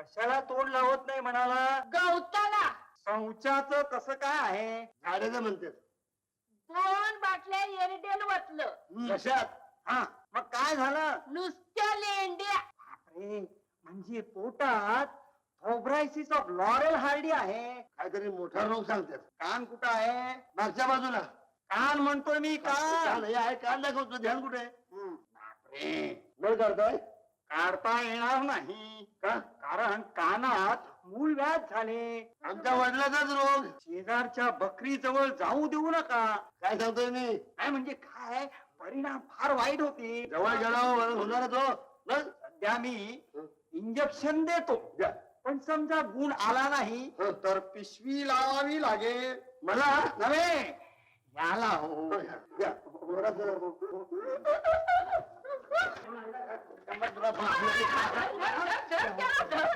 कशाला तोंड लावत नाही म्हणाला? गवताला शौचाचं कसं काय आहे? झाडाचं म्हणतात. 2 बाटल्या एरिडेल वतलं. कशात? हा मग काय झालं? नुसत्या लेंड्या. बापरे, म्हणजे पोटात थोब्रायसिस ऑफ लॉरेल हार्डी आहे. काहीतरी मोठा रोग सांगतात. कान कुठं आहे? मागच्या बाजूला कान म्हणतोय मी, कान कान. हे आहे, कान दाखवतो. ध्यान कुठे आहे? बापरे, बळ काढताय काढता येणार नाही का? कारण कानात मूळ व्याध झाले. आमच्या वडिलाचाच रोग. शेजारच्या बकरी जवळ जाऊ देऊ नका. काय सांगतोय मी? काय म्हणजे काय? परिणाम फार वाईट होते. जवळ गेल्यावर होणारच हो. बस. सध्या मी इंजेक्शन देतो, द्या. पण समजा गुण आला नाही तर पिशवी लावावी लागेल. मला नव्हे, याला हो. द्या. थोडंसं. धर, धर, धर.